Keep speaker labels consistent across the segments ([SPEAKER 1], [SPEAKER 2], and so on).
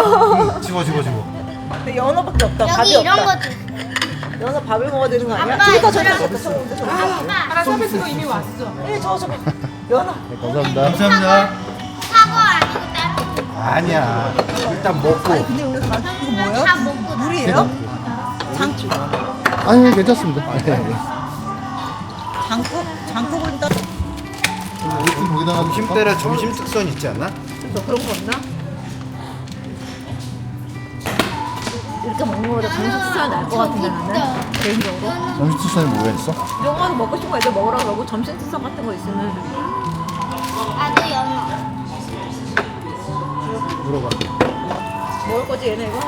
[SPEAKER 1] 집어.
[SPEAKER 2] 근데 연어밖에 없다. 밥이
[SPEAKER 3] 여기 이런
[SPEAKER 2] 없다.
[SPEAKER 3] 것도 있어.
[SPEAKER 2] 연어 밥을 먹어야 되는 거 아니야?
[SPEAKER 3] 아빠,
[SPEAKER 2] 저기다
[SPEAKER 3] 이거랑
[SPEAKER 2] 저기다.
[SPEAKER 4] 하나 서비스가 이미 왔어.
[SPEAKER 2] 예, 저거. 연어.
[SPEAKER 5] 네, 감사합니다.
[SPEAKER 1] 감사합니다.
[SPEAKER 3] 사과 아니고 다른 거.
[SPEAKER 1] 아니야. 일단 먹고.
[SPEAKER 2] 아니 근데 여기서 이거 뭐예요?
[SPEAKER 3] 다 먹고
[SPEAKER 2] 물이에요? 장국.
[SPEAKER 5] 아니 괜찮습니다. 네.
[SPEAKER 2] 장국을 일단
[SPEAKER 5] 좀 거기다가
[SPEAKER 1] 점심 때라 점심 특선 있지 않나?
[SPEAKER 2] 그런 거 없나? 이렇게 먹는 거보다 정식 식사가 나을 것 같은데 나는 개인적으로.
[SPEAKER 5] 점심 식사에 뭐가 있어?
[SPEAKER 2] 이런 거는 먹고 싶은 거 애들 먹으라고 그러고 점심 식사 같은 거 있으면
[SPEAKER 3] 나도 연어.
[SPEAKER 1] 물어봐.
[SPEAKER 2] 먹을 거지 얘네 이거?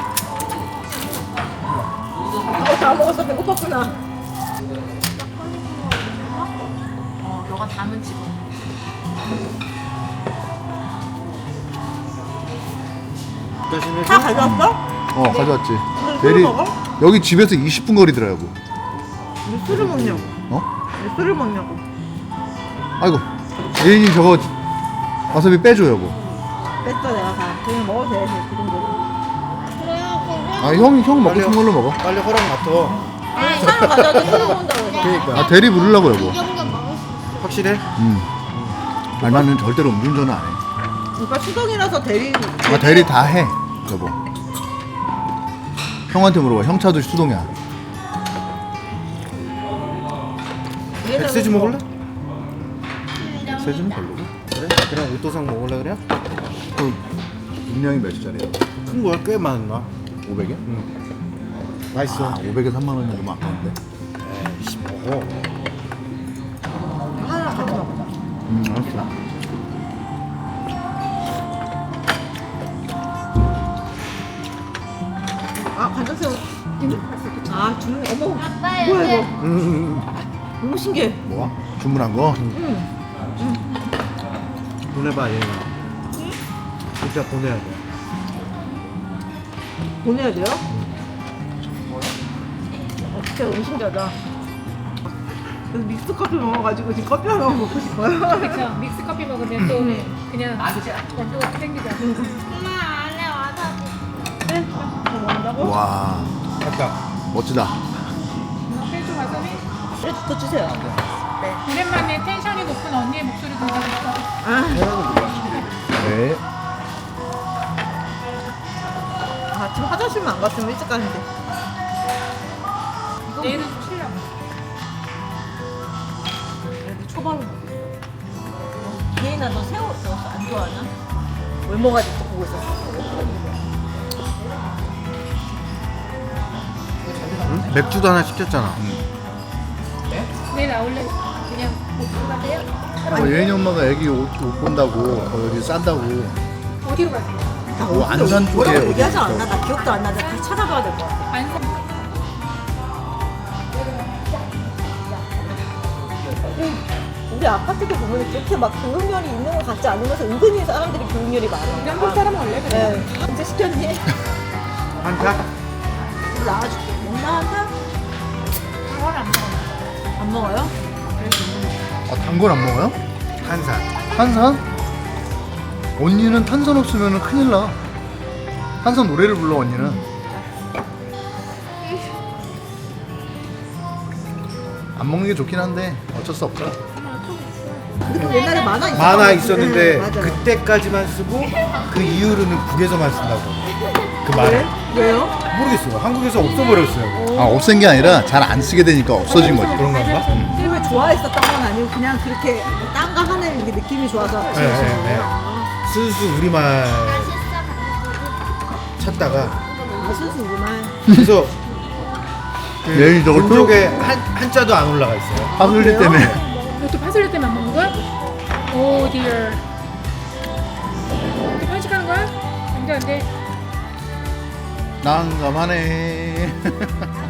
[SPEAKER 2] 다 먹었어. 배고팠구나.
[SPEAKER 4] 너가 담은 집어.
[SPEAKER 2] 다 가져왔어?
[SPEAKER 5] 가져왔지.
[SPEAKER 2] 술
[SPEAKER 5] 대리
[SPEAKER 2] 먹어?
[SPEAKER 5] 여기 집에서 20분 거리더라고.
[SPEAKER 2] 왜 술을 먹냐고.
[SPEAKER 5] 어?
[SPEAKER 2] 왜 술을 먹냐고.
[SPEAKER 5] 아이고 예인이 저거 와사비 빼줘 여보.
[SPEAKER 2] 뺐어 내가 다. 그냥 먹어도 돼. 그 정도.
[SPEAKER 5] 아 형 먹고 싶은 걸로 먹어.
[SPEAKER 1] 빨리 허락 맡어.
[SPEAKER 2] 아니 차를 가져와도 술 먹는다고.
[SPEAKER 1] 그러니까.
[SPEAKER 5] 아 대리 부르려고 여보.
[SPEAKER 3] 이 정도 먹을 수 있어.
[SPEAKER 1] 확실해?
[SPEAKER 5] 아니 나는 절대로 음주운전은 안 해.
[SPEAKER 2] 그러니까 수동이라서 대리.
[SPEAKER 5] 아 대리 다 해 여보. 형한테 물어봐. 형 차도 수동이야.
[SPEAKER 1] 엑세주 먹을래?
[SPEAKER 5] 세주는 별로고.
[SPEAKER 1] 그래? 그냥 오토상 먹을래 그래?
[SPEAKER 5] 그 분량이 몇 짜리야?
[SPEAKER 1] 큰 거야? 꽤 많나?
[SPEAKER 5] 500에?
[SPEAKER 1] 맛있어.
[SPEAKER 5] 아 500에 3만 원이면 너무 아까운데.
[SPEAKER 1] 에이씨 먹어.
[SPEAKER 2] 하나 같이 먹자.
[SPEAKER 5] 알았어.
[SPEAKER 2] 아 간장새우. 아 주는 어머.
[SPEAKER 3] 아빠
[SPEAKER 2] 뭐야
[SPEAKER 3] 이제
[SPEAKER 2] 이거. 너무 신기해.
[SPEAKER 5] 뭐야? 주문한 거?
[SPEAKER 1] 보내봐 얘가. 진짜 보내야 돼.
[SPEAKER 2] 보내야 돼요? 진짜 너무 신기하다. 그래서 믹스 커피 먹어가지고 지금 커피 하나 먹고 싶어요.
[SPEAKER 4] 그쵸. 믹스 커피 먹으면 또 그냥 원두가 땡기잖아.
[SPEAKER 3] 엄마 안에 와서
[SPEAKER 2] 네? 더 먹는다고?
[SPEAKER 5] 와
[SPEAKER 1] 아까
[SPEAKER 5] 멋지다.
[SPEAKER 4] 페이스 와사비.
[SPEAKER 2] 네, 더 주세요.
[SPEAKER 4] 오랜만에 텐션이 높은 언니의 목소리 들려줬어.
[SPEAKER 5] 네.
[SPEAKER 2] 아 지금 화장실만 안 갔으면 일찍 가는데.
[SPEAKER 4] 내일은 좀 쉬려고.
[SPEAKER 2] 초밥을 먹어. 얘나 너 새우 안 좋아하나? 외모가지고 보고 있었어.
[SPEAKER 1] 응? 맥주도 하나 시켰잖아.
[SPEAKER 4] 내일 나올래? 그냥 못 가세요?
[SPEAKER 5] 예인이 엄마가 애기 옷 본다고 여기 싼다고.
[SPEAKER 4] 어디로 가세요?
[SPEAKER 5] 뭐 안산 쪽에
[SPEAKER 2] 뭐라고
[SPEAKER 5] 어디
[SPEAKER 2] 얘기하지
[SPEAKER 5] 있다고.
[SPEAKER 2] 않나? 나 기억도 안 나는데 다시 찾아봐야 될 것 같아.
[SPEAKER 4] 안산.
[SPEAKER 2] 우리 아파트도 보면 그렇게 막 교육열이 있는 것 같지 않으면서 은근히 사람들이 교육열이 많아.
[SPEAKER 4] 우리 한국 사람 원래 그래.
[SPEAKER 2] 네. 언제 시켰니?
[SPEAKER 1] 한 cat?
[SPEAKER 2] 나와줄게. 먹나 한다?
[SPEAKER 4] 그걸 안 먹어.
[SPEAKER 2] 안 먹어요?
[SPEAKER 5] 아, 단 건 안 먹어요?
[SPEAKER 1] 한산.
[SPEAKER 5] 탄산? 언니는 탄산 없으면 큰일 나. 탄산 노래를 불러 언니는. 안 먹는 게 좋긴 한데 어쩔 수 없죠.
[SPEAKER 2] 근데 또 옛날에 만화 있었던
[SPEAKER 1] 만화
[SPEAKER 2] 것
[SPEAKER 1] 있었는데
[SPEAKER 2] 같은데. 맞아요.
[SPEAKER 1] 그때까지만 쓰고 그 이후로는 북에서만 쓴다고. 그 말을.
[SPEAKER 2] 왜요?
[SPEAKER 1] 모르겠어요. 한국에서 없어버렸어요.
[SPEAKER 5] 아 없앤 게 아니라 잘 안 쓰게 되니까 없어진 거지.
[SPEAKER 1] 그런 건가?
[SPEAKER 2] film을 좋아했었던 건 아니고 그냥 그렇게 딴 거 하는 게 느낌이 좋아서
[SPEAKER 1] 네, 네. 슬슬 우리말
[SPEAKER 3] 맛있어.
[SPEAKER 1] 찾다가
[SPEAKER 2] 아 순수 우리말.
[SPEAKER 1] 그래서
[SPEAKER 5] 예인이 저걸
[SPEAKER 1] 쪽에 한자도 안 올라가 있어요.
[SPEAKER 5] 파슬리 때문에.
[SPEAKER 4] 이것도 파슬리 때문에 안 먹는 거야? 오 디어. 이렇게 편식하는 거야? 안돼 안돼.
[SPEAKER 5] 난감하네.